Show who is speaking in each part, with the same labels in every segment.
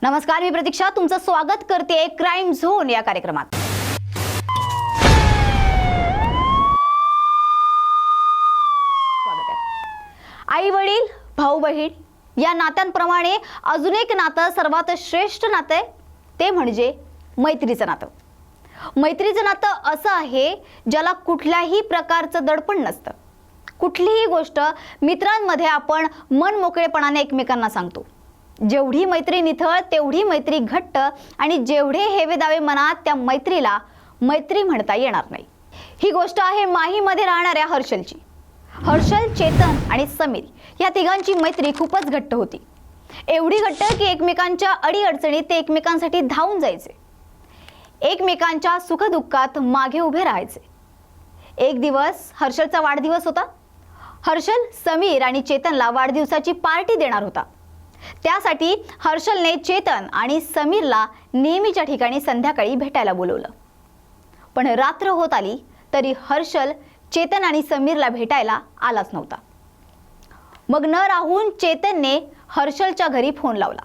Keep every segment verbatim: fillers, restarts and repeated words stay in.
Speaker 1: नमस्कार, मी प्रतीक्षा तुमचं स्वागत करते क्राईम झोन या कार्यक्रमात। आई वडील, भाऊ बहीण या नात्यांप्रमाणे अजून एक नातं सर्वात श्रेष्ठ नातं आहे ते म्हणजे मैत्रीचं नातं। मैत्रीचं नातं असं आहे ज्याला कुठल्याही प्रकारचं दडपण नसतं। कुठलीही गोष्ट मित्रांमध्ये आपण मन मोकळेपणाने एकमेकांना सांगतो। जेवढी मैत्री निथळ तेवढी मैत्री घट्ट आणि जेवढे हेवे दावे मनात त्या मैत्रीला मैत्री म्हणता येणार नाही। ही गोष्ट आहे माहीमध्ये राहणाऱ्या हर्षलची। हर्षल, चेतन आणि समीर या तिघांची मैत्री खूपच घट्ट होती। एवढी घट्ट की एकमेकांच्या अडीअडचणीत ते एकमेकांसाठी धावून जायचे, एकमेकांच्या सुखदुःखात मागे उभे राहायचे। एक दिवस हर्षलचा वाढदिवस होता। हर्षल समीर आणि चेतनला वाढदिवसाची पार्टी देणार होता। त्यासाठी हर्षलने चेतन आणि समीरला नेहमीच्या ठिकाणी संध्याकाळी भेटायला बोलवलं। पण रात्र होत आली तरी हर्षल चेतन आणि समीरला भेटायला आलाच नव्हता। मग न राहून चेतनने हर्षलच्या घरी फोन लावला।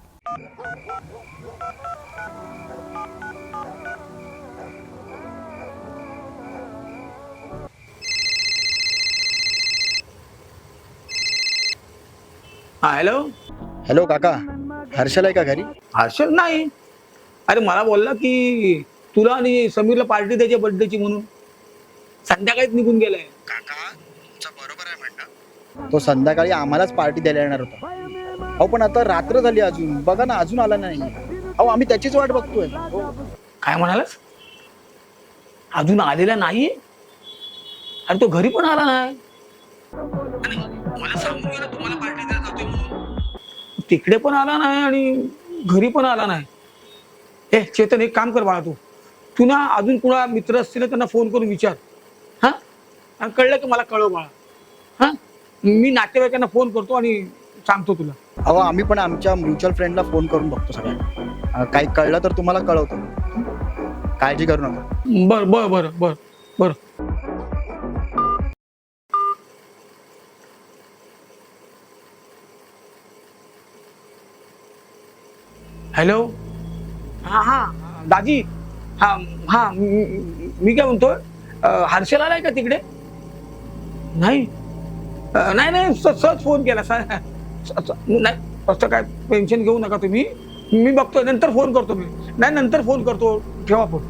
Speaker 2: हा हॅलो
Speaker 3: हॅलो काका, हर्षल आहे का घरी?
Speaker 2: हर्षल नाही। अरे मला बोलला की तुला आणि समीरला पार्टी द्यायची बर्थडेची म्हणून संध्याकाळीच निघून गेलाय।
Speaker 3: काका तुमचं बरोबर आहे म्हणणं। तो संध्याकाळी आम्हालाच पार्टी द्यायला येणार होता। अहो पण आता रात्र झाली, अजून बघा ना, अजून आला नाही। अहो आम्ही त्याचीच वाट बघतोय।
Speaker 2: काय म्हणालास? अजून आलेला नाहीये? अरे तो घरी पण आला नाही। मला सांगून गेला तुम्हाला पार्टी द्यायला जातोय म्हणून, तिकडे पण आला नाही आणि घरी पण आला नाही। ए चेतन, एक काम कर बाळा, तू तू ना अजून कुणा मित्र असतील त्यांना फोन करून विचार। हा आणि कळलं की मला कळव बाळा। हा मी नातेवाईकांना फोन करतो आणि सांगतो तुला।
Speaker 3: अहो आम्ही पण आमच्या म्युच्युअल फ्रेंडला फोन करून बघतो सगळ्यांना। काही कळलं तर तुम्हाला कळवतो, काळजी करू नका।
Speaker 2: बर बर बर बर बर हॅलो, हा हा दाजी, हा हा मी काय म्हणतोय, हर्षल आलाय का तिकडे? नाही नाही नाही सहज फोन केला सर। नाही असं काय टेन्शन घेऊ नका तुम्ही, मी बघतोय, नंतर फोन करतो मी। नाही नंतर फोन करतो, ठेवा फोन।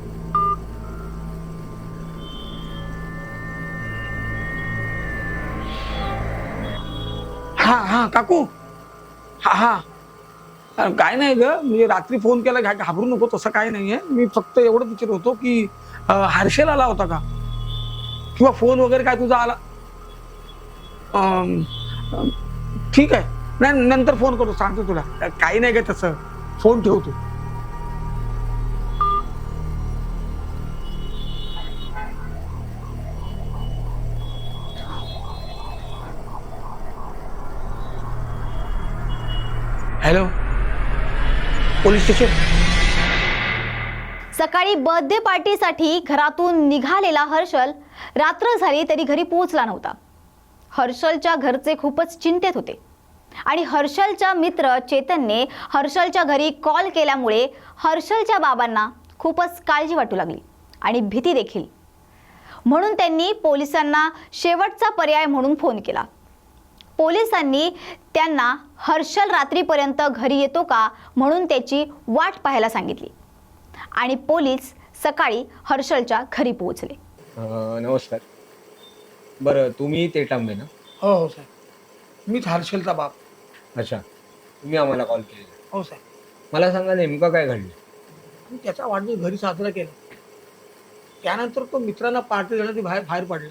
Speaker 2: हा हा काकू, हा हा काय नाही ग, म्हणजे रात्री फोन केला, घाबरू नको, तसं काय नाहीये। मी फक्त एवढं विचारत होतो की हर्षल आला होता का, किंवा फोन वगैरे काय तुझा आला? ठीक आहे, नाही नंतर फोन करतो, सांगतो तुला। काही नाही का तसं, फोन ठेवतो। Hello, police station.
Speaker 1: सकाळी बर्थडे पार्टीसाठी घरातून निघालेला हर्षल रात्र झाली तरी घरी पोहोचला नव्हता। हर्षलच्या घरचे खूपच चिंतेत होते आणि हर्षलच्या मित्र चेतनने हर्षलच्या घरी कॉल केल्यामुळे हर्षलच्या बाबांना खूपच काळजी वाटू लागली आणि भीती देखील। म्हणून त्यांनी पोलिसांना शेवटचा पर्याय म्हणून फोन केला। पोलिसांनी त्यांना हर्षल रात्रीपर्यंत घरी येतो का म्हणून त्याची वाट पाहायला सांगितली आणि पोलीस सकाळी हर्षलच्या घरी पोहोचले।
Speaker 4: नमस्कार, बरं तुम्ही ते टांबे ना?
Speaker 2: हो हो साहेब, मीच हर्षलचा बाप।
Speaker 4: अच्छा, तुम्ही आम्हाला कॉल केलेला?
Speaker 2: हो साहेब।
Speaker 4: मला सांगा नेमकं काय घडलं?
Speaker 2: मी त्याचा वाढदिवस घरी साजरा केला, त्यानंतर तो मित्रांना पार्टी देण्यासाठी बाहेर बाहेर पडला।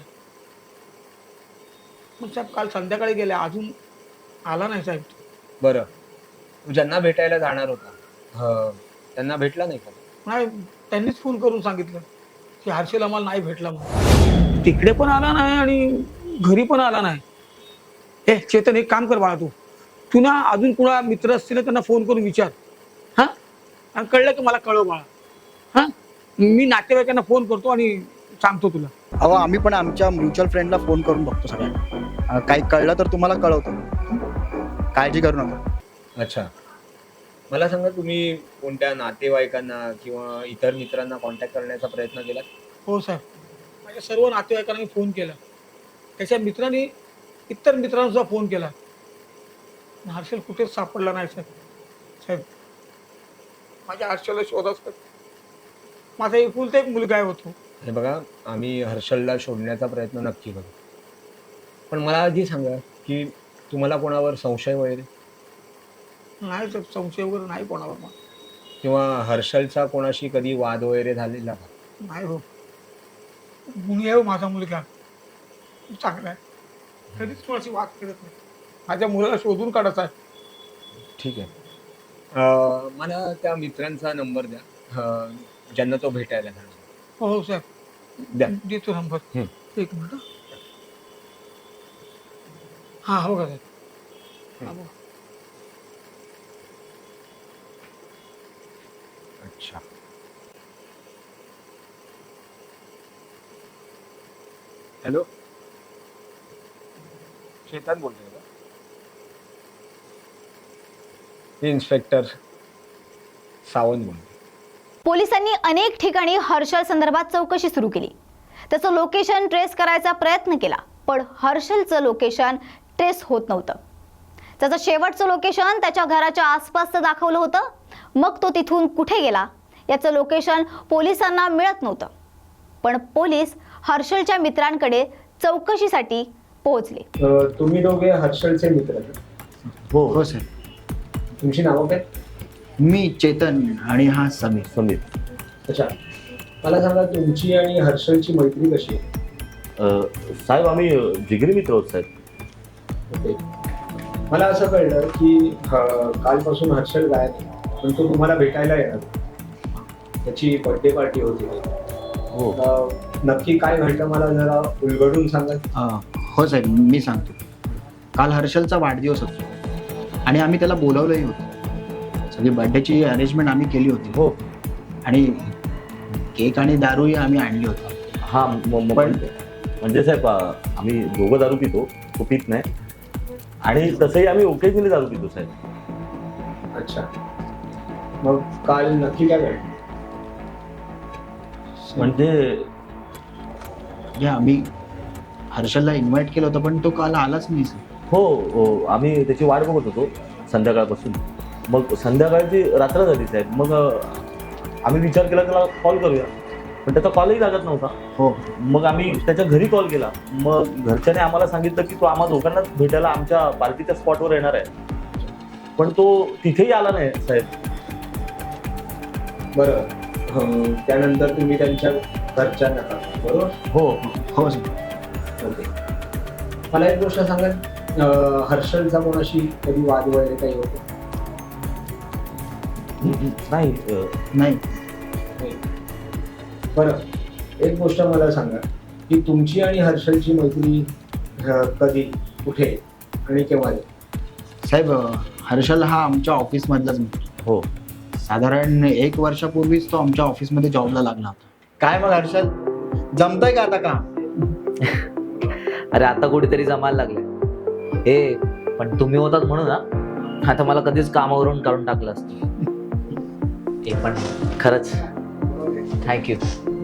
Speaker 2: मग साहेब काल संध्याकाळी गेले, अजून आला नाही साहेब।
Speaker 4: बरं, तू ज्यांना भेटायला जाणार होता त्यांना भेटला नाही का?
Speaker 2: नाही, त्यांनीच फोन करून सांगितलं की हर्षल आम्हाला नाही भेटला म्हणून, तिकडे पण आला नाही आणि घरी पण आला नाही। ए चेतन, एक काम कर बाळा, तू तू ना अजून कुणा मित्र असतील त्यांना फोन करून विचार। हा आणि कळलं की मला कळव बाळा। हा मी नातेवाईकांना फोन करतो आणि सांगतो तुला।
Speaker 3: अहो आम्ही पण आमच्या म्युच्युअल फ्रेंडला फोन करून बघतो सगळ्यांना। काही कळलं तर तुम्हाला कळवतो, काळजी करू नका।
Speaker 4: अच्छा, मला सांगा, तुम्ही कोणत्या नातेवाईकांना किंवा इतर मित्रांना कॉन्टॅक्ट करण्याचा प्रयत्न केला?
Speaker 2: हो साहेब, माझ्या सर्व नातेवाईकांना मी फोन केला, त्याच्या मित्रांनी इतर मित्रांना सुद्धा फोन केला. हर्षल कुठेच सापडला नाही साहेब. साहेब, माझ्या हर्षलला शोधा साहेब. माझा एकुलता एक मुलगा आहे होतो.
Speaker 4: हे बघा, आम्ही हर्षलला शोधण्याचा प्रयत्न नक्की करू, पण मला आधी सांगा की तुम्हाला कोणावर संशय वगैरे
Speaker 2: नाही साहेब, संशय वगैरे नाही कोणावर मला.
Speaker 4: किंवा हर्षलचा कोणाशी कधी वाद वगैरे झालेला का?
Speaker 2: नाही हो, गुणी आहे हो माझा मुलगा, चांगला आहे, कधीच कोणाशी वाद करत नाही. माझ्या मुलाला शोधून काढायचा आहे.
Speaker 4: ठीक आहे. अं, मला त्या मित्रांचा नंबर द्या, अं, ज्यांना तो भेटायला जाणार.
Speaker 2: हो हो साहेब,
Speaker 4: द्या.
Speaker 2: देतो नंबर.
Speaker 4: हं.
Speaker 2: एक मिनिट. हा हो का साहेब. हा, बघा.
Speaker 4: अच्छा. हॅलो, चेतन बोलतोय का? इन्स्पेक्टर सावंत बोलतोय.
Speaker 1: पोलिसांनी अनेक ठिकाणी हर्षल संदर्भात चौकशी सुरू केली. त्याचं लोकेशन ट्रेस करायचा प्रयत्न केला, पण हर्षलचं लोकेशन ट्रेस होत नव्हतं. त्याचं शेवटचं लोकेशन त्याच्या घराच्या आसपासचं दाखवलं होतं. मग तो तिथून कुठे गेला याचं लोकेशन पोलिसांना मिळत नव्हतं. पण पोलीस हर्षलच्या मित्रांकडे चौकशीसाठी पोहोचले.
Speaker 4: तुम्ही दोघे हर्षलचे मित्र आहेत?
Speaker 3: हो हो सर.
Speaker 4: तुमची नावं काय?
Speaker 3: मी चेतन आणि हा समीर.
Speaker 5: समीर.
Speaker 4: अच्छा, मला सांगा, तुमची आणि हर्षलची मैत्री कशी आहे?
Speaker 5: अ, साहेब आम्ही जिगरी मित्र आहोत साहेब.
Speaker 4: ओके. मला असं कळलं की अं, कालपासून हर्षल गायब आहे, पण तो तुम्हाला भेटायला येणार. त्याची बर्थडे पार्टी होती.
Speaker 5: हो.
Speaker 4: अं, नक्की काय घडलं मला जरा उलगडून सांगा.
Speaker 3: अं, हो साहेब, मी सांगतो. काल हर्षलचा वाढदिवस होता आणि आम्ही त्याला बोलावलंही होतं. सगळी बर्थडेची अरेंजमेंट आम्ही केली होती.
Speaker 5: हो.
Speaker 3: आणि केक आणि दारूही आम्ही आणली होती.
Speaker 5: हा म- म-
Speaker 3: पण-
Speaker 5: म्हणजे साहेब अ, आम्ही दोघं दारू पितो, तो पित नाही. आणि तसंही आम्ही ओकेजनली दारू पितो साहेब.
Speaker 4: अच्छा, मग काल नक्की काय घडलं?
Speaker 5: म्हणजे
Speaker 3: म्हणजे आम्ही हर्षलला इन्व्हाइट केलं होतं, पण तो काल आलाच नाही सर.
Speaker 5: हो हो, आम्ही त्याची वाट बघत होतो संध्याकाळपासून. मग संध्याकाळची रात्र झाली साहेब. मग अ, आम्ही विचार केला त्याला कॉल करूया, पण त्याचा कॉलही लागत नव्हता.
Speaker 3: हो.
Speaker 5: मग आम्ही त्याच्या घरी कॉल केला. मग घरच्याने आम्हाला सांगितलं की तो आम्हा दोघांनाच भेटायला आमच्या पार्टीच्या स्पॉटवर येणार आहे. पण तो तिथेही आला नाही साहेब.
Speaker 4: बरं, अं, त्यानंतर तुम्ही त्यांच्या घरच्यांना कळवलं, बरोबर?
Speaker 5: हो.
Speaker 3: हो सर.
Speaker 4: ओके. मला एक गोष्ट सांगा, अं, हर्षलचा कोणाशी कधी वाद वगैरे काही होतो?
Speaker 5: नाही अ,
Speaker 3: नाही.
Speaker 4: बरं, एक गोष्ट मला सांगा की तुमची आणि हर्षलची मैत्री अं, कधी, कुठे आणि केव्हा झाली?
Speaker 3: साहेब, अं, हर्षल हा आमच्या ऑफिसमधलाच मित्र.
Speaker 5: हो.
Speaker 3: साधारण एक वर्षापूर्वीच तो आमच्या ऑफिसमध्ये जॉबला लागला होता. काय मग हर्षल, जमतंय का आता काम?
Speaker 6: अरे आता कुठेतरी जमायला लागले. ए पण तुम्ही होतात म्हणून ना, आता मला कधीच कामावरून काढून टाकलं असतं. ए पण खरंच थँक्यू.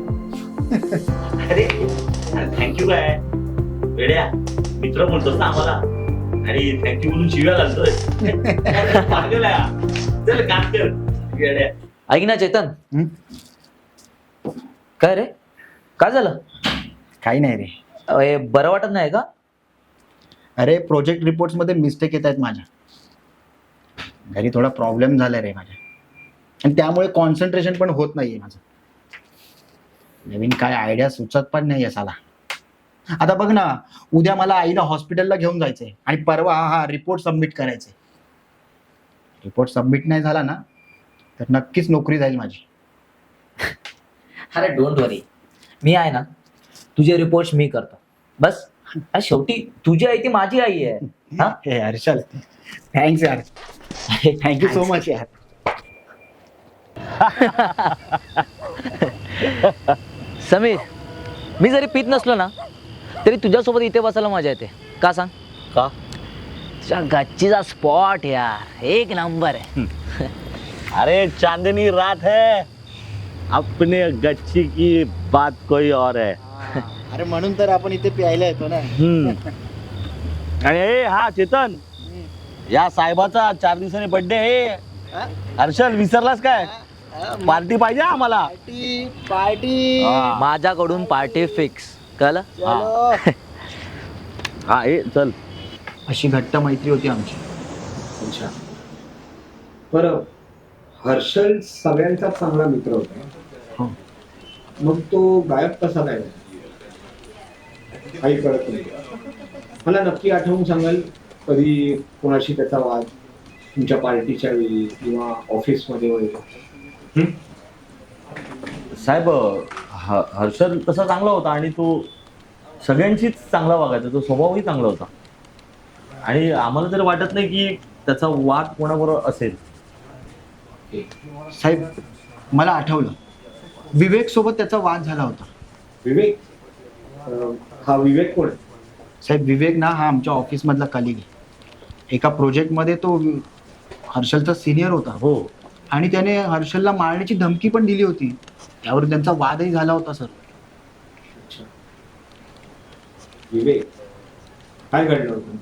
Speaker 5: अरे थँक्यू काय वेड्या, मित्र बोलतोस ना आम्हाला आणि थँक्यू म्हणून शिव्या घालतोय. पागल आहे. चल काम कर वेड्या.
Speaker 6: ऐक ना चेतन.
Speaker 3: हं?
Speaker 6: काय रे, काय झालं?
Speaker 3: काही नाही रे.
Speaker 6: अरे, बरं वाटत नाही का?
Speaker 3: अरे प्रोजेक्ट रिपोर्ट्स मध्ये मिस्टेक येत आहेत माझ्या. घरी थोडा प्रॉब्लेम झालाय रे माझ्या, आणि त्यामुळे कॉन्सन्ट्रेशन पण होत नाहीये माझं. नवीन काय आयडिया सुचत पण नाहीये साला. आता बघ ना, उद्या मला आईला हॉस्पिटलला घेऊन जायचंय आणि परवा हा रिपोर्ट सबमिट करायचंय. रिपोर्ट सबमिट नाही झाला ना तर नक्कीच नोकरी जाईल माझी.
Speaker 6: अरे डोंट वरी, मी आहे ना. तुझे रिपोर्ट्स मी करतो बस. अरे, शेवटी तुझी आई ती माझी आई आहे. हा?
Speaker 3: हे हर्षल, थँक्स यार. थँक्यू सो मच यार.
Speaker 6: समीर, मी जरी पित नसलो ना तरी तुझ्यासोबत इथे बसायला मजा येते. का सांग?
Speaker 5: का?
Speaker 6: तुझ्या गच्चीचा स्पॉट यार एक नंबर आहे.
Speaker 5: अरे चांदनी रात है, अपने गच्ची की बात कोई और है.
Speaker 3: अरे म्हणून तर आपण इथे प्यायला येतो ना.
Speaker 5: हम्म. आणि ए, हा चेतन, या साहेबाचा चार दिवसांनी बर्थडे आहे. हर्षल विसरलास काय? पार्टी पाहिजे आम्हाला.
Speaker 3: Party party.
Speaker 5: हा.
Speaker 6: माझ्याकडून पार्टी फिक्स. कळलं?
Speaker 3: चलो.
Speaker 5: हा ए चल.
Speaker 3: अशी घट्ट मैत्री होती आमची.
Speaker 4: अच्छा. बरं, हर्षल सगळ्यांचा चांगला मित्र होता.
Speaker 3: हो.
Speaker 4: मग तो गायब कसा काय झाला? काही कळत नाही. मला नक्की आठवून सांगाल कधी कोणाशी त्याचा वाद, तुमच्या पार्टीच्या वेळी किंवा ऑफिसमध्ये वगैरे?
Speaker 5: साहेब, ह- हर्षल तसा चांगला होता आणि तो सगळ्यांशीच चांगला वागायचा. तो स्वभावही चांगला होता आणि आम्हाला तरी वाटत नाही की त्याचा वाद कोणाबरोबर असेल.
Speaker 3: साहेब, मला आठवलं, विवेक सोबत त्याचा वाद झाला होता.
Speaker 4: विवेक? अं, हा विवेक कोण आहे?
Speaker 3: साहेब, विवेक ना हा आमच्या ऑफिस मधला कलिग आहे. एका प्रोजेक्ट मध्ये तो हर्षलचा सिनियर होता.
Speaker 5: हो.
Speaker 3: आणि त्याने हर्षलला मारण्याची धमकी पण दिली होती. त्यावर त्यांचा वादही झाला होता सर.
Speaker 4: अच्छा. विवेक, काय घडलं होतं?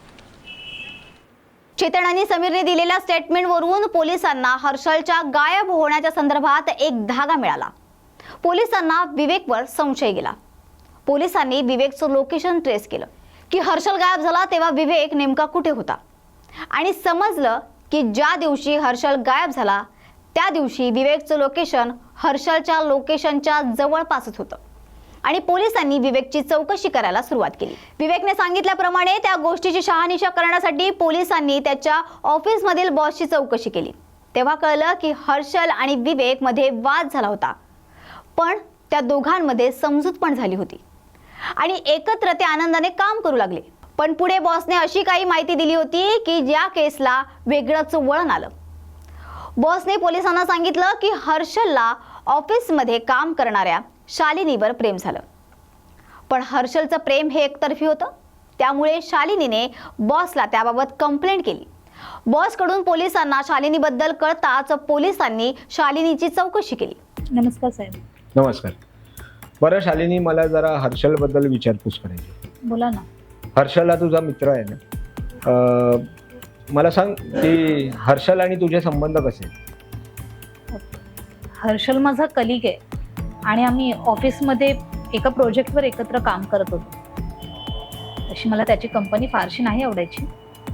Speaker 1: चेतन आणि समीरने दिलेल्या स्टेटमेंटवरून पोलिसांना हर्षलच्या गायब होण्याच्या संदर्भात एक धागा मिळाला. पोलिसांना विवेकवर संशय गेला. पोलिसांनी विवेकचं लोकेशन ट्रेस केलं की हर्षल गायब झाला तेव्हा विवेक नेमका कुठे होता, आणि समजलं की ज्या दिवशी हर्षल गायब झाला त्या दिवशी विवेकचं लोकेशन हर्षलच्या लोकेशनच्या जवळपासच होतं. आणि पोलिसांनी विवेकची चौकशी करायला सुरुवात केली. विवेकने सांगितल्याप्रमाणे त्या गोष्टीची शहानिशा करण्यासाठी पोलिसांनी त्याच्या ऑफिसमधील बॉसची चौकशी केली. तेव्हा कळलं की हर्षल आणि विवेक मध्ये वाद झाला होता, पण त्या दोघांमध्ये समजूत पण झाली होती आणि एकत्र ते आनंदाने काम करू लागले. पण पुढे बॉसने अशी काही माहिती दिली होती की ज्या केसला वेगळंच वळण आलं. बॉसने पोलिसांना सांगितलं की हर्षलला ऑफिसमध्ये काम करणाऱ्या शालिनीवर प्रेम झालं, पण हर्षलचं प्रेम हे एकतर्फी होतं. त्यामुळे शालिनीने बॉसला त्याबाबत कंप्लेंट केली. बॉसकडून पोलिसांना शालिनीबद्दल कळताच पोलिसांनी शालिनीची चौकशी केली.
Speaker 7: नमस्कार साहेब.
Speaker 4: नमस्कार. बरं शालिनी, मला जरा हर्षलबद्दल विचारपूस करायची.
Speaker 7: बोला ना.
Speaker 4: हर्षल हा तुझा मित्र आहे ना? अं, मला सांग की हर्षल आणि तुझे संबंध कसे आहेत?
Speaker 7: हर्षल माझा कलिग आहे आणि आम्ही ऑफिसमध्ये एका प्रोजेक्टवर एकत्र काम करत होतो. तशी मला त्याची कंपनी फारशी नाही आवडायची.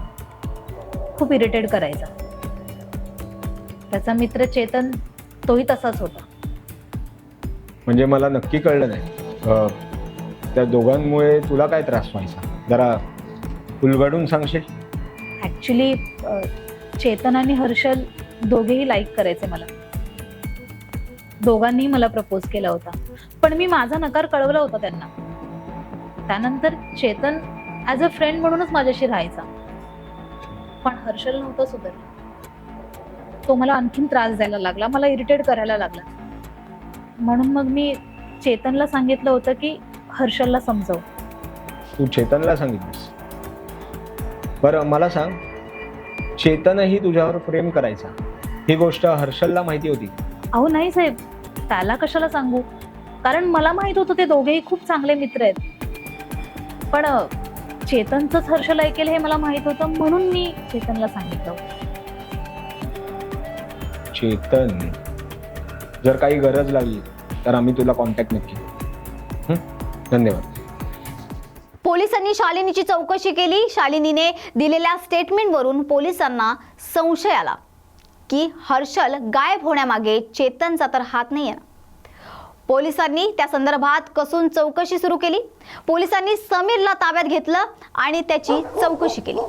Speaker 7: खूप इरिटेट करायचा. त्याचा मित्र चेतन तोही तसाच होता.
Speaker 4: म्हणजे मला नक्की कळलं नाही, अं, त्या दोघांमुळे तुला काय त्रास व्हायचा? जरा उलगडून सांगशील?
Speaker 7: ॲक्च्युली चेतन आणि हर्षल दोघेही लाईक करायचे मला. दोघांनीही मला प्रपोज केला होता, पण मी माझा नकार कळवला होता त्यांना. त्यानंतर चेतन ॲज अ फ्रेंड म्हणूनच माझ्याशी राहायचा, पण हर्षल नव्हतं सुधारला. तो मला आणखीन त्रास द्यायला लागला, मला इरिटेट करायला लागला. म्हणून मग मी चेतनला सांगितलं होतं की हर्षलला समजव.
Speaker 4: तू चेतनला सांगितलीस? बरं मला सांग, चेतनही तुझ्यावर प्रेम करायचा ही गोष्ट हर्षलला माहिती होती?
Speaker 7: अहो नाही साहेब, त्याला कशाला सांगू, कारण मला माहित होतं ते दोघेही खूप चांगले मित्र आहेत. पण अ, चेतनचंच हर्षल ऐकेल हे मला माहित होतं, म्हणून मी चेतनला सांगितलं.
Speaker 4: चेतन, जर काही गरज लागली तर आम्ही तुला कॉन्टॅक्ट नक्की. हं? धन्यवाद.
Speaker 1: पोलिसांनी शालिनीची चौकशी केली. शालिनीने दिलेल्या स्टेटमेंटवरून पोलिसांना संशय आला की हर्षल गायब होण्यामागे चेतनचा तर हात नाही आहे. पोलिसांनी त्या संदर्भात कसून चौकशी सुरू केली. पोलिसांनी समीरला ताब्यात घेतलं आणि त्याची चौकशी केली.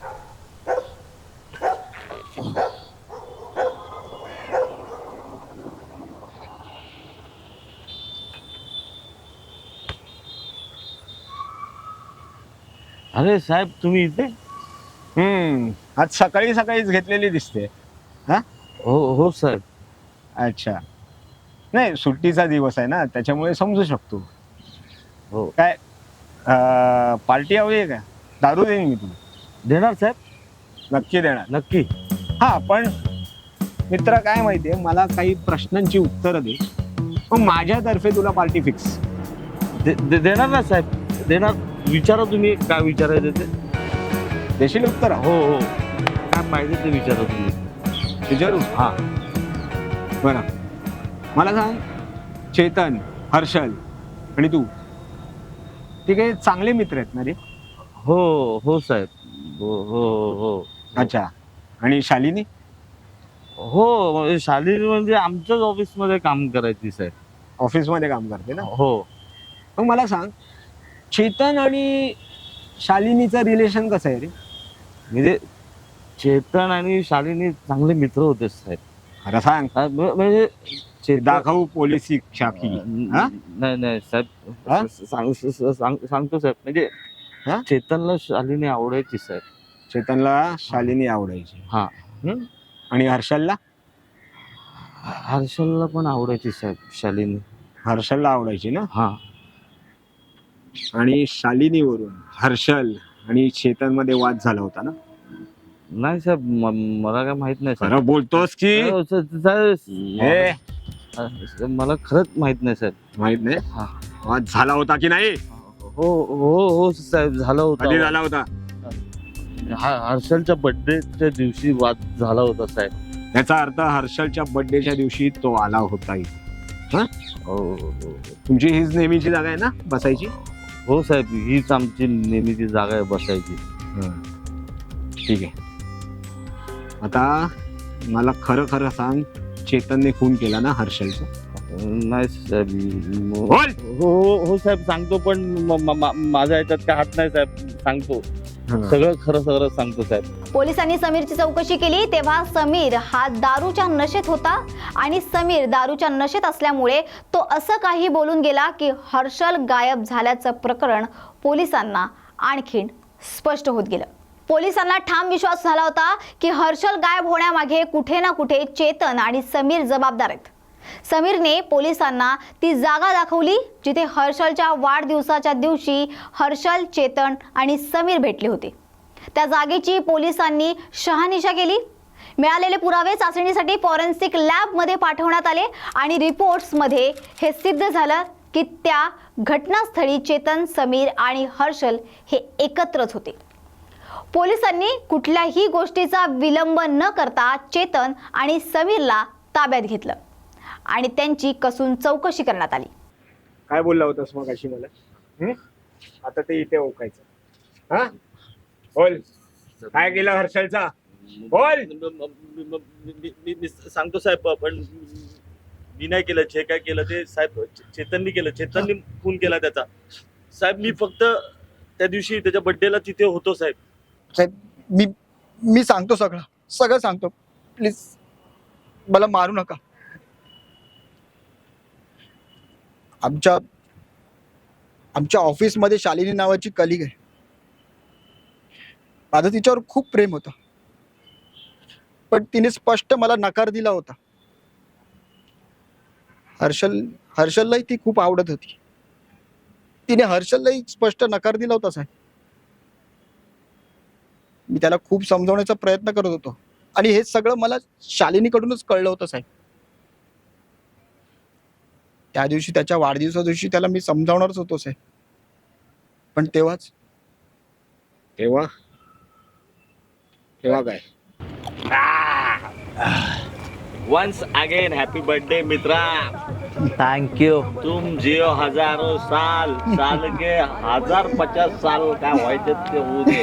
Speaker 5: अरे साहेब, तुम्ही इथे?
Speaker 4: हम्म आज सकाळी सकाळीच घेतलेली दिसते. हा?
Speaker 5: हो हो साहेब.
Speaker 4: अच्छा. नाही, सुट्टीचा दिवस आहे ना, त्याच्यामुळे समजू शकतो.
Speaker 5: हो.
Speaker 4: काय पार्टी हवी आहे का? दारू देईन मी तुला.
Speaker 5: देणार साहेब?
Speaker 4: नक्की देणार.
Speaker 5: नक्की.
Speaker 4: हा, पण मित्र काय माहितीये, मला काही प्रश्नांची उत्तरं दे, मग माझ्यातर्फे तुला पार्टी फिक्स.
Speaker 5: दे- दे- देणार ना साहेब, देणार. विचारा तुम्ही काय विचारायचं ते.
Speaker 4: देशील उत्तर?
Speaker 5: हो हो, काय पाहिजे ते विचारा तुम्ही.
Speaker 4: विचारू?
Speaker 5: हा.
Speaker 4: बरं, मला सांग, चेतन, हर्षल आणि तू ते काही चांगले मित्र आहेत ना रे?
Speaker 5: हो हो साहेब, हो हो हो.
Speaker 4: अच्छा. आणि शालिनी?
Speaker 5: हो, म्हणजे शालिनी म्हणजे आमच्याच ऑफिसमध्ये काम करायची साहेब.
Speaker 4: ऑफिसमध्ये काम करते ना?
Speaker 5: हो.
Speaker 4: मग मला सांग, चेतन आणि शालिनीचं रिलेशन कसं आहे रे?
Speaker 5: म्हणजे चेतन आणि शालिनी चांगले मित्र होते साहेब.
Speaker 4: खरं सांग.
Speaker 5: हा, म- म्हणजे चेतन-
Speaker 4: दाखवू पोलिसी शाखी. हा?
Speaker 5: नाही नाही साहेब,
Speaker 4: हा?
Speaker 5: सांग- सांग- सांग- सांगतो साहेब. म्हणजे
Speaker 4: हा?
Speaker 5: चेतनला शालिनी आवडायची साहेब.
Speaker 4: चेतनला शालिनी आवडायची.
Speaker 5: हा.
Speaker 4: हम्म? आणि हर्षलला?
Speaker 5: हर्षलला पण आवडायची साहेब शालिनी.
Speaker 4: हर्षलला आवडायची ना?
Speaker 5: हा.
Speaker 4: आणि शालिनीवरून हर्षल आणि चेतन मध्ये वाद झाला होता ना?
Speaker 5: नाही साहेब, म- मला काय माहित नाही साहेब.
Speaker 4: खरं बोलतोस की?
Speaker 5: हो, सा- साहेब,
Speaker 4: हे,
Speaker 5: मला- मला खरंच माहित नाही साहेब.
Speaker 4: माहित नाही?
Speaker 5: हा.
Speaker 4: वाद झाला होता की नाही?
Speaker 5: हो हो हो साहेब, झाला
Speaker 4: कधी
Speaker 5: होता.
Speaker 4: झाला होता?
Speaker 5: हा- हर्षलच्या बर्थडेच्या दिवशी वाद झाला होता साहेब.
Speaker 4: याचा अर्थ हर्षलच्या बर्थडेच्या दिवशी तो आला होता इथे. हा?
Speaker 5: हो हो हो.
Speaker 4: तुमची हीच नेहमीची जागा आहे ना बसायची?
Speaker 5: हो साहेब, हीच आमची नेहमीची जागा आहे बसायची.
Speaker 4: ठीक आहे. आता मला खरं खरं सांग, चेतनने खून केला ना हर्षलचा?
Speaker 5: नाही साहेब. म-
Speaker 4: बोल!
Speaker 5: हो हो हो साहेब, सांगतो, पण म- म- मा- माझ्या ह्याच्यात काय हात नाही साहेब. सांगतो सगळं, खरं सगळं सांगतो साहेब.
Speaker 1: पोलिसांनी समीरची चौकशी केली तेव्हा समीर हा दारूच्या नशेत होता आणि समीर दारूच्या नशेत असल्यामुळे तो असं काही बोलून गेला की हर्षल गायब झाल्याचं प्रकरण पोलिसांना आणखीन स्पष्ट होत गेलं. पोलिसांना ठाम विश्वास झाला होता की हर्षल गायब होण्यामागे कुठे ना कुठे चेतन आणि समीर जबाबदार आहेत. समीरने पोलिसांना ती जागा दाखवली जिथे हर्षलच्या वाढदिवसाच्या दिवशी हर्षल, चेतन आणि समीर भेटले होते. त्या जागेची पोलिसांनी शहानिशा केली. मिळालेले पुरावे चाचणीसाठी फॉरेन्सिक लॅबमध्ये पाठवण्यात आले आणि रिपोर्ट्समध्ये हे सिद्ध झालं की त्या घटनास्थळी चेतन, समीर आणि हर्षल हे एकत्रच होते. पोलिसांनी कुठल्याही गोष्टीचा विलंब न करता चेतन आणि समीरला ताब्यात घेतलं आणि त्यांची कसून चौकशी करण्यात आली.
Speaker 4: काय बोलला होतास मग अशी मला? हं? आता ते इथे ओकायचं. हा? बोल, काय केलं हर्षलचा? बोल!
Speaker 5: मी- मी- मी सांगतो साहेब, पण मी नाही केलं. जे काय केलं ते साहेब चेतननी केलं. चेतननी खून केला त्याचा. साहेब, मी फक्त त्या दिवशी त्याच्या बर्थडेला तिथे होतो साहेब.
Speaker 3: साहेब, मी मी सांगतो सगळं सगळं सांगतो. प्लीज मला मारू नका. आमच्या आमच्या ऑफिसमध्ये शालिनी नावाची कलिग आहे. माझं तिच्यावर खूप प्रेम होतं, पण तिने स्पष्ट मला नकार दिला होता. हर्षल हर्षललाही ती खूप आवडत होती. तिने हर्षललाही स्पष्ट नकार दिला होता साहेब. मी त्याला खूप समजवण्याचा प्रयत्न करत होतो आणि हे सगळं मला शालिनीकडूनच कळलं होतं साहेब. त्या दिवशी त्याच्या वाढदिवसा दिवशी त्याला मी समजावणारच होतो साहेब, पण तेव्हाच
Speaker 4: तेव्हा तेव्हा काय?
Speaker 5: वन्स अगेन हॅपी बर्थडे मित्रा.
Speaker 6: थँक्यू.
Speaker 5: तुम जिओ हजारो साल, साल के हजार पचास साल काय व्हायचे ते होऊ दे.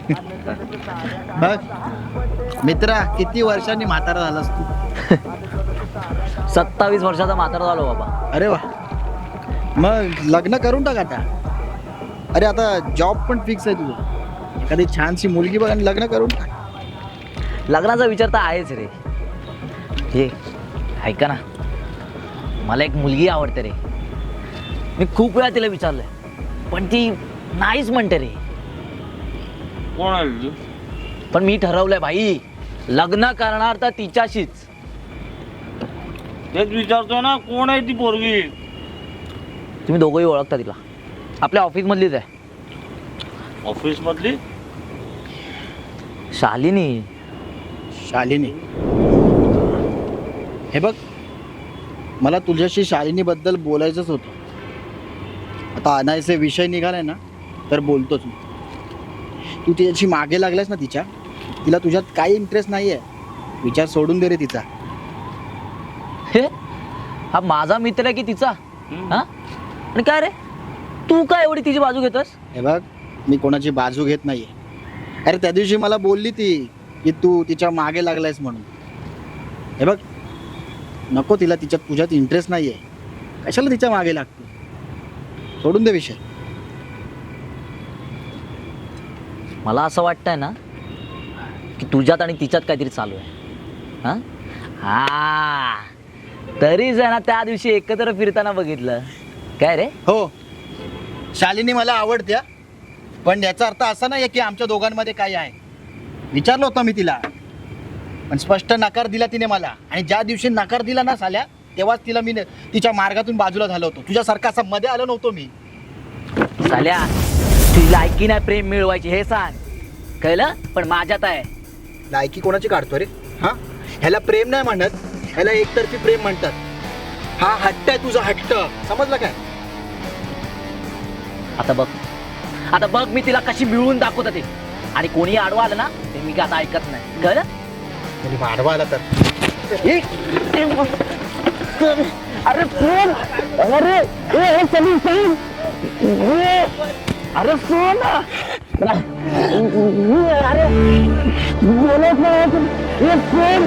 Speaker 3: बघ मित्रा, किती वर्षांनी म्हातारा झालास तू.
Speaker 6: सत्तावीस वर्षाचा म्हातारा झालो बाबा.
Speaker 3: अरे वा, मग लग्न करून टाक आता. अरे आता जॉब पण फिक्स आहे तुझं. एखादी छानशी मुलगी बघ आणि लग्न करून टाक.
Speaker 6: लग्नाचा विचार तर आहेच रे. हे ऐका ना, मला एक मुलगी आवडते रे. मी खूप वेळा तिला विचारलंय, पण ती नाहीच म्हणते रे.
Speaker 5: कोण आहे?
Speaker 6: पण मी ठरवलंय भाई, लग्न करणार तर तिच्याशीच.
Speaker 5: तेच विचारतो ना, कोण आहे ती पोरगी?
Speaker 6: तुम्ही दोघंही ओळखता तिला, आपल्या ऑफिस मधलीच आहे.
Speaker 5: ऑफिस मधली?
Speaker 6: शालिनी.
Speaker 3: शालिनी हे बघ, मला तुझ्याशी शालिनीबद्दल बोलायचंच होतं. आता अनायसे विषय निघालाय ना तर बोलतोच मी. तू तिच्याशी मागे लागलायस ना, तिच्या तिला तुझ्यात काही इंटरेस्ट नाही आहे. विचार सोडून दे रे तिचा.
Speaker 6: हे हा माझा मित्र आहे की तिचा? हा आणि काय रे, तू काय एवढी तिची बाजू घेतोस?
Speaker 3: हे बघ, मी कोणाची बाजू घेत नाहीये. अरे त्या दिवशी मला बोलली ती की तू तिच्या मागे लागलायस म्हणून. हे बघ, नको तिला, तिच्यात तुझ्यात इंटरेस्ट नाहीये. कशाला तिच्या मागे लागते? सोडून दे विषय.
Speaker 6: मला असं वाटतंय ना की तुझ्यात आणि तिच्यात काहीतरी चालू आहे. हा हा तरीच आहे ना, त्या दिवशी एकत्र फिरताना बघितलं. काय रे?
Speaker 3: हो, शालिनी मला आवडते, पण याचा अर्थ असा नाही की आमच्या दोघांमध्ये काय आहे. विचारलं होतं मी तिला, पण स्पष्ट नकार दिला तिने मला. आणि ज्या दिवशी नकार दिला ना साल्या, तेव्हाच तिला मी तिच्या मार्गातून बाजूला झालो होतो. तुझ्यासारखा असा मध्ये आलो नव्हतो मी.
Speaker 6: साल्या, तुझी लायकी नाही प्रेम मिळवायची हे सांग, कळलं? पण माझ्यात आहे.
Speaker 3: लायकी कोणाची काढतो रे? हा, ह्याला प्रेम नाही म्हणत, ह्याला एकतर्फी प्रेम म्हणतात. हा हट्ट आहे तुझा, हट्ट. समजलं काय?
Speaker 6: आता बघ, आता बघ मी तिला कशी मिळवून दाखवत ते. आणि कोणी आडवा आलं ना ते मी काय आता ऐकत नाही, कळलं?
Speaker 3: कोणी वाढवा आला तर
Speaker 6: अरे सोन, अरे ए सलीम सलीम, अरे सोन, अरे बोलत नाही. सोन,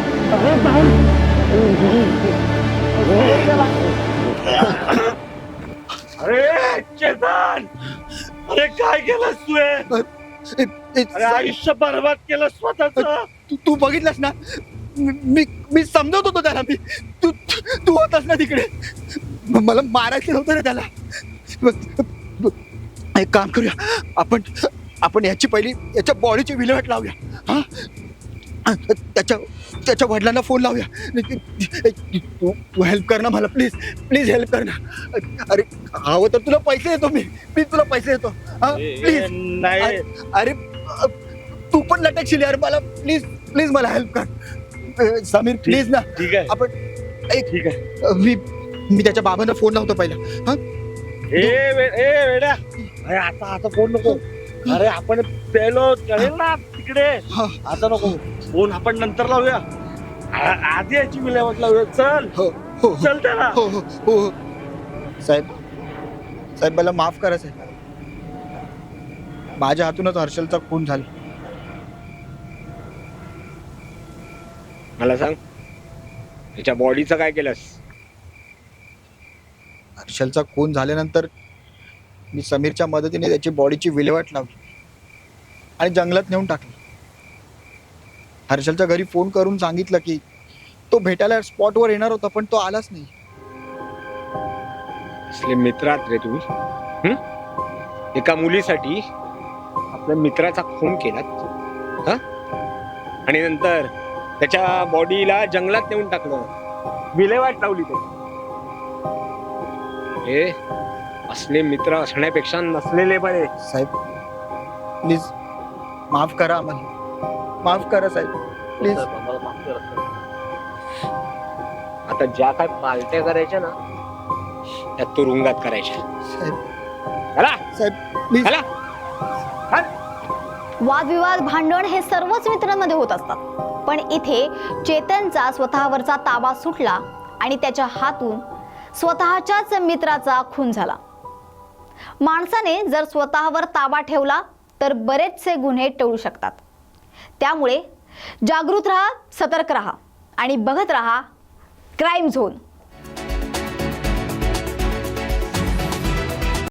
Speaker 5: अरे चेतन, अरे काय केलंस तू हे? अरे आयुष्य बरबाद केलं स्वतःच.
Speaker 3: तू तू बघितलंस ना, मी मी समजवत होतो त्याला. मी तू तू होतास ना तिकडे. म- मला मारायचं नव्हतं रे त्याला. एक काम करूया, आपण आपण याची पहिली याच्या बॉडीची विल्हेवाट लावूया. हा, त्याच्या त्याच्या वडिलांना फोन लावूया. तू तू हेल्प कर ना मला, प्लीज प्लीज हेल्प कर ना. अरे हवं तर तुला पैसे देतो मी, प्लीज तुला पैसे देतो. हा प्लीज.
Speaker 5: नाही
Speaker 3: अरे तू पण लटकशील यार, मला प्लीज प्लीज मला हेल्प कर. समीर प्लीज ना.
Speaker 5: ठीक आहे,
Speaker 3: आपण एक
Speaker 5: ठीक आहे.
Speaker 3: मी मी त्याच्या बाबांना फोन लावतो पहिला. हा
Speaker 5: ए वे- ए वेड्या, अरे आता आता फोन नको. अरे आपण पेलो कळेल ना तिकडे.
Speaker 3: हा.
Speaker 5: आता नको फोन, आपण नंतर लावूया. आ- आधी याची विल्हेवाट लावूया. चल
Speaker 3: हो हो
Speaker 5: चल त्याला.
Speaker 3: हो हो हो हो. साहेब साहेब मला माफ करा साहेब. माझ्या हातूनच हर्षलचा खून झाला.
Speaker 4: मला सांग, त्याच्या बॉडीचं काय केलंस?
Speaker 3: हर्षलचा खून झाल्यानंतर मी समीरच्या मदतीने त्याची बॉडीची विल्हेवाट लावली आणि जंगलात नेऊन टाकली. हर्षलच्या घरी फोन करून सांगितलं की तो भेटायला स्पॉटवर येणार होता, पण तो आलाच नाही.
Speaker 4: असले मित्र आहात रे तुम्ही. हं? एका मुलीसाठी आपल्या मित्राचा खून केलात, हा? आणि नंतर त्याच्या बॉडीला जंगलात नेऊन टाकलं, विल्हेवाट लावली त्याची. हे असले मित्र असण्यापेक्षा नसलेले बरे.
Speaker 3: साहेब प्लीज माफ करा आम्हाला, माफ करा साहेब प्लीज.
Speaker 4: आता ज्या काय पार्ट्या करायच्या ना, त्या तुरुंगात करायच्या.
Speaker 3: साहेब
Speaker 4: चला
Speaker 3: साहेब प्लीज.
Speaker 4: चला.
Speaker 1: वादविवाद, भांडण हे सर्वच मित्रांमध्ये होत असतात. पण इथे चेतनचा स्वतःवरचा ताबा सुटला आणि त्याच्या हातून स्वतःच्याच मित्राचा खून झाला. माणसाने जर स्वतःवर ताबा ठेवला तर बरेचसे गुन्हे टळू शकतात. त्यामुळे जागृत राहा, सतर्क राहा आणि बघत राहा क्राईम झोन.